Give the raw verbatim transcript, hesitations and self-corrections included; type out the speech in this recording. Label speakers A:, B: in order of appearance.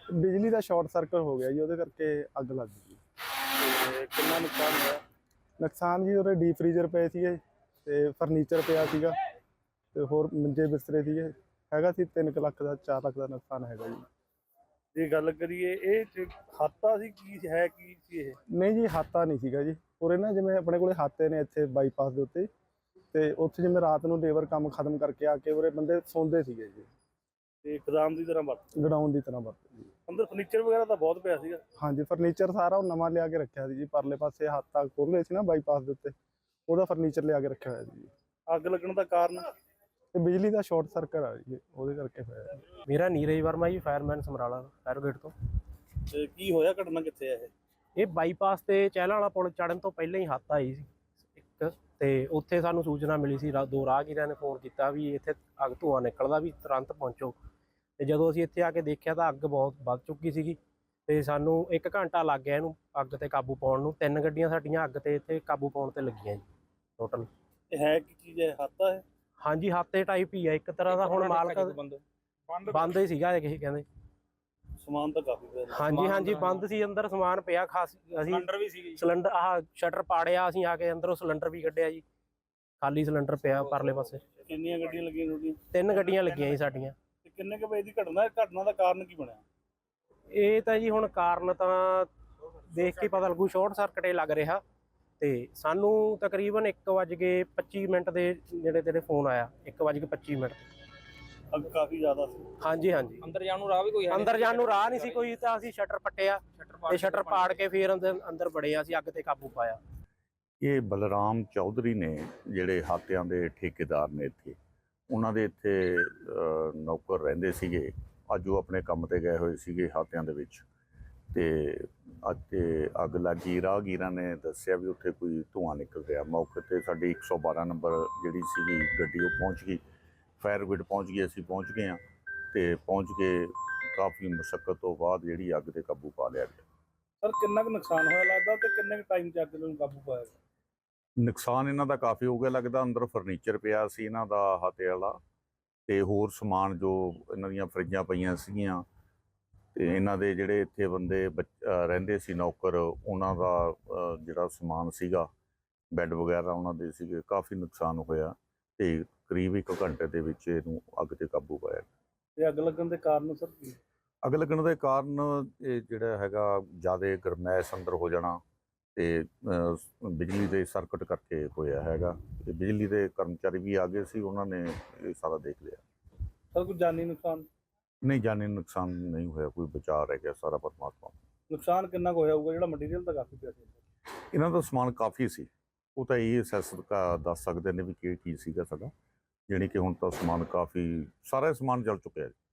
A: ਬਿਜਲੀ ਦਾ short circuit ਹੋ ਗਿਆ ਜੀ, ਉਹਦੇ ਕਰਕੇ ਅੱਗ ਲੱਗ ਗਈ।
B: ਤੇ ਕਿੰਨਾ ਨੁਕਸਾਨ ਹੋਇਆ?
A: ਨੁਕਸਾਨ ਜੀ ਉਹਦੇ ਡੀਪ ਫਰੀਜ਼ਰ ਪਏ ਸੀਗੇ ਤੇ ਫਰਨੀਚਰ ਪਿਆ ਸੀਗਾ ਤੇ ਹੋਰ ਮੰਜੇ ਬਿਸਤਰੇ ਸੀਗੇ। ਹੈਗਾ ਸੀ ਤਿੰਨ ਕੁ ਲੱਖ ਦਾ, ਚਾਰ ਲੱਖ ਦਾ ਨੁਕਸਾਨ ਹੈਗਾ ਜੀ।
B: ਜੇ ਗੱਲ ਕਰੀਏ ਇਹ 'ਚ ਹਾਤਾ ਸੀ, ਕੀ ਹੈ ਕੀ ਸੀ ਇਹ?
A: ਨਹੀਂ ਜੀ, ਹਾਤਾ ਨਹੀਂ ਸੀਗਾ ਜੀ। ਉਰੇ ਨਾ ਜਿਵੇਂ ਆਪਣੇ ਕੋਲੇ ਹਾਤੇ ਨੇ ਇੱਥੇ ਬਾਈਪਾਸ ਦੇ ਉੱਤੇ, ਤੇ ਉੱਥੇ ਜਿਵੇਂ ਰਾਤ ਨੂੰ ਲੇਬਰ ਕੰਮ ਖਤਮ ਕਰਕੇ ਆ ਕੇ ਉਰੇ ਬੰਦੇ ਸੌਂਦੇ ਸੀਗੇ ਜੀ,
B: ਤੇ ਗੋਦਾਮ ਦੀ ਤਰ੍ਹਾਂ ਵਰਤ
A: ਗਡਾਊਨ ਦੀ ਤਰ੍ਹਾਂ ਵਰਤਦੇ ਜੀ।
B: ਅੰਦਰ ਫਰਨੀਚਰ ਵਗੈਰਾ ਤਾਂ ਬਹੁਤ ਪਿਆ ਸੀਗਾ।
A: ਹਾਂਜੀ, ਫਰਨੀਚਰ ਸਾਰਾ ਉਹ ਨਵਾਂ ਲਿਆ ਕੇ ਰੱਖਿਆ ਸੀ ਜੀ। ਪਰਲੇ ਪਾਸੇ ਹਾਤਾ ਖੋਲ੍ਹੇ ਸੀ ਨਾ ਬਾਈਪਾਸ ਦੇ ਉੱਤੇ, ਉਹਦਾ ਫਰਨੀਚਰ ਲਿਆ ਕੇ ਰੱਖਿਆ ਹੋਇਆ ਸੀ ਜੀ।
B: ਅੱਗ ਲੱਗਣ ਦਾ ਕਾਰਨ?
A: ਤੇ ਬਿਜਲੀ ਦਾ ਸ਼ਾਰਟ ਸਰਕਟ ਆ ਜੀ, ਉਹਦੇ ਕਰਕੇ ਹੋਇਆ।
C: ਮੇਰਾ ਨੀਰਜ ਵਰਮਾ ਜੀ, ਫਾਇਰਮੈਨ ਸਮਰਾਲਾ ਫਾਇਰ ਬ੍ਰਿਗੇਡ ਤੋਂ।
B: ਤੇ ਕੀ ਹੋਇਆ, ਘਟਨਾ ਕਿੱਥੇ ਹੈ ਇਹ?
C: ਇਹ ਬਾਈਪਾਸ ਤੇ ਚਹਿਲਾਂ ਵਾਲਾ ਪੁਲ ਚੜਨ ਤੋਂ ਪਹਿਲਾਂ ਹੀ ਹੱਥ ਆਈ ਸੀ ਇੱਕ, ਤੇ ਉੱਥੇ ਸਾਨੂੰ ਸੂਚਨਾ ਮਿਲੀ ਸੀ। ਦੋ ਰਾਹਗੀਰਾਂ ਨੇ ਫੋਨ ਕੀਤਾ ਵੀ ਇੱਥੇ ਅੱਗ ਧੂੰਆਂ ਨਿਕਲਦਾ, ਵੀ ਤੁਰੰਤ ਪਹੁੰਚੋ। ਤੇ ਜਦੋਂ ਅਸੀਂ ਇੱਥੇ ਆ ਕੇ ਦੇਖਿਆ ਤਾਂ ਅੱਗ ਬਹੁਤ ਵੱਧ ਚੁੱਕੀ ਸੀਗੀ, ਤੇ ਸਾਨੂੰ ਇੱਕ ਘੰਟਾ ਲੱਗ ਗਿਆ ਇਹਨੂੰ ਅੱਗ ਤੇ ਕਾਬੂ ਪਾਉਣ ਨੂੰ। ਤਿੰਨ ਗੱਡੀਆਂ ਸਾਡੀਆਂ ਅੱਗ ਤੇ ਇੱਥੇ ਕਾਬੂ ਪਾਉਣ ਤੇ ਲੱਗੀਆਂ ਜੀ ਟੋਟਲ।
B: ਇਹ ਹੈ ਕੀ ਚੀਜ਼ ਹੈ? ਹਾਤਾ ਹੈ?
C: ਹਾਂਜੀ, ਹਾਤੇ ਟਾਈਪ ਹੀ ਆ ਇੱਕ ਤਰ੍ਹਾਂ ਦਾ। ਹੁਣ ਮਾਲਕ ਬੰਦ ਹੀ ਸੀਗਾ ਇਹ ਕਹਿੰਦੇ।
B: ਸਮਾਨ ਤਾਂ ਕਾਫੀ ਪਿਆ।
C: ਹਾਂਜੀ ਹਾਂਜੀ, ਬੰਦ ਸੀ, ਅੰਦਰ ਸਮਾਨ ਪਿਆ ਖਾਸ। ਅਸੀਂ ਸਿਲੰਡਰ ਵੀ ਸੀ, ਸਿਲੰਡਰ ਆਹ ਸ਼ਟਰ ਪਾੜਿਆ, ਅਸੀਂ ਆ ਕੇ ਅੰਦਰੋਂ ਸਿਲੰਡਰ ਵੀ ਕੱਢਿਆ ਜੀ। ਖਾਲੀ ਸਿਲੰਡਰ ਪਿਆ ਪਰਲੇ ਪਾਸੇ।
B: ਕਿੰਨੀਆਂ ਗੱਡੀਆਂ ਲੱਗੀਆਂ ਤੁਹਾਡੀਆਂ?
C: ਤਿੰਨ ਗੱਡੀਆਂ ਲੱਗੀਆਂ ਜੀ ਸਾਡੀਆਂ।
B: ਤੇ ਕਿੰਨੇ ਕੁ ਵਜੇ ਦੀ ਘਟਨਾ? ਘਟਨਾ ਦਾ ਕਾਰਨ ਕੀ ਬਣਿਆ?
C: ਇਹ ਤਾਂ ਜੀ ਹੁਣ ਕਾਰਨ ਤਾਂ ਦੇਖ ਕੇ ਪਤਾ ਲੱਗੂ, ਸ਼ਾਰਟ ਸਰਕਟ ਇਹ ਲੱਗ ਰਿਹਾ। ਤੇ ਸਾਨੂੰ ਤਕਰੀਬਨ ਇੱਕ ਵੱਜ ਕੇ ਪੱਚੀ ਮਿੰਟ ਦੇ ਨੇੜੇ ਤੇੜੇ ਫੋਨ ਆਇਆ, ਇੱਕ ਵੱਜ ਕੇ ਪੱਚੀ ਮਿੰਟ।
B: ਅੱਗ ਕਾਫੀ ਜ਼ਿਆਦਾ ਸੀ?
C: ਹਾਂਜੀ ਹਾਂਜੀ,
D: ਅੰਦਰ ਜਾਣ ਨੂੰ ਰਾਹ ਵੀ ਕੋਈ ਹੈ?
C: ਅੰਦਰ ਜਾਣ ਨੂੰ ਰਾਹ ਨਹੀਂ ਸੀ ਕੋਈ, ਤਾਂ ਅਸੀਂ ਸ਼ਟਰ ਪੱਟਿਆ ਤੇ ਸ਼ਟਰ ਪਾੜ ਕੇ ਫਿਰ ਅੰਦਰ ਅੰਦਰ ਵੜੇ, ਅਸੀਂ ਅੱਗ ਤੇ ਕਾਬੂ ਪਾਇਆ।
E: ਇਹ ਬਲਰਾਮ ਚੌਧਰੀ ਨੇ, ਜਿਹੜੇ ਹਾਤਿਆਂ ਦੇ ਠੇਕੇਦਾਰ ਨੇ ਇੱਥੇ, ਉਹਨਾਂ ਦੇ ਇੱਥੇ ਨੌਕਰ ਰਹਿੰਦੇ ਸੀਗੇ। ਅੱਜ ਉਹ ਆਪਣੇ ਕੰਮ ਤੇ ਗਏ ਹੋਏ ਸੀਗੇ ਹਾਤਿਆਂ ਦੇ ਵਿੱਚ, ਤੇ ਅੱਜ ਤੇ ਅੱਗ ਲੱਗੀ। ਰਾਹਗੀਰਾਂ ਨੇ ਦੱਸਿਆ ਵੀ ਉੱਥੇ ਕੋਈ ਧੂੰਆਂ ਨਿਕਲ ਰਿਹਾ। ਮੌਕੇ ਤੇ ਸਾਡੀ ਇੱਕ ਸੌ ਬਾਰਾਂ ਨੰਬਰ ਜਿਹੜੀ ਸੀਗੀ ਗੱਡੀ, ਉਹ ਪਹੁੰਚ ਗਈ। ਫਾਇਰ ਬ੍ਰਿਗੇਡ ਪਹੁੰਚ ਗਈ, ਅਸੀਂ ਪਹੁੰਚ ਗਏ ਹਾਂ, ਤੇ ਪਹੁੰਚ ਕੇ ਕਾਫੀ ਮੁਸ਼ੱਕਤ ਤੋਂ ਬਾਅਦ ਜਿਹੜੀ ਅੱਗ ਤੇ ਕਾਬੂ ਪਾ ਲਿਆ ਗਿਆ।
B: ਸਰ ਕਿੰਨਾ ਕੁ ਨੁਕਸਾਨ ਹੋਇਆ ਲੱਗਦਾ, ਤੇ ਕਿੰਨੇ ਕੁ ਟਾਈਮ 'ਚ ਅੱਗ ਨੂੰ ਕਾਬੂ ਪਾਇਆ ਗਿਆ?
E: ਨੁਕਸਾਨ ਇਹਨਾਂ ਦਾ ਕਾਫੀ ਹੋ ਗਿਆ ਲੱਗਦਾ। ਅੰਦਰ ਫਰਨੀਚਰ ਪਿਆ ਸੀ ਇਹਨਾਂ ਦਾ ਹਾਤੇ ਵਾਲਾ, ਤੇ ਹੋਰ ਸਮਾਨ ਜੋ ਇਹਨਾਂ ਦੀਆਂ ਫਰਿੱਜਾਂ ਪਈਆਂ ਸੀਗੀਆਂ, ਤੇ ਇਹਨਾਂ ਦੇ ਜਿਹੜੇ ਇੱਥੇ ਬੰਦੇ ਰਹਿੰਦੇ ਸੀ ਨੌਕਰ, ਉਹਨਾਂ ਦਾ ਜਿਹੜਾ ਸਮਾਨ ਸੀਗਾ, ਬੈੱਡ ਵਗੈਰਾ ਉਹਨਾਂ ਦੇ ਸੀਗੇ। ਕਾਫੀ ਨੁਕਸਾਨ ਹੋਇਆ, ਤੇ ਕਰੀਬ ਇੱਕ ਘੰਟੇ ਦੇ ਵਿੱਚ ਇਹਨੂੰ ਅੱਗ ਤੇ ਕਾਬੂ ਪਾਇਆ।
B: ਤੇ ਅੱਗ ਲੱਗਣ ਦੇ ਕਾਰਨ ਸਰ ਕੀ?
E: ਅੱਗ ਲੱਗਣ ਦੇ ਕਾਰਨ ਇਹ ਜਿਹੜਾ ਹੈਗਾ, ਜ਼ਿਆਦਾ ਗਰਮੈਸ਼ ਅੰਦਰ ਹੋ ਜਾਣਾ, ਤੇ ਬਿਜਲੀ ਦੇ ਸਰਕਟ ਕਰਕੇ ਹੋਇਆ ਹੈਗਾ। ਤੇ ਬਿਜਲੀ ਦੇ ਕਰਮਚਾਰੀ ਵੀ ਆ ਗਏ ਸੀ, ਉਹਨਾਂ ਨੇ ਇਹ ਸਾਰਾ ਦੇਖ ਲਿਆ।
B: ਸਰ ਕੋਈ ਜਾਨੀ ਨੁਕਸਾਨ?
E: ਨਹੀਂ, ਜਾਨੀ ਨੁਕਸਾਨ ਨਹੀਂ ਹੋਇਆ, ਕੋਈ ਬਚਾਅ ਰਹਿ ਗਿਆ, ਸਾਰਾ ਪਰਮਾਤਮਾ।
B: ਨੁਕਸਾਨ ਕਿੰਨਾ ਕੁ ਹੋਇਆ ਹੋਊਗਾ? ਜਿਹੜਾ ਮਟੀਰੀਅਲ ਤਾਂ ਕਾਫੀ ਪਿਆ ਸੀ।
E: ਇਹਨਾਂ ਦਾ ਸਮਾਨ ਕਾਫੀ ਸੀ, ਉਹ ਤਾਂ ਇਹ ਅਸੈਸ ਦੱਸ ਸਕਦੇ ਨੇ ਵੀ ਕੀ ਚੀਜ਼ ਸੀਗਾ ਸਾਡਾ। ਜਾਣੀ ਕਿ ਹੁਣ ਤਾਂ ਸਮਾਨ ਕਾਫੀ, ਸਾਰਾ ਸਮਾਨ ਜਲ ਚੁੱਕਿਆ।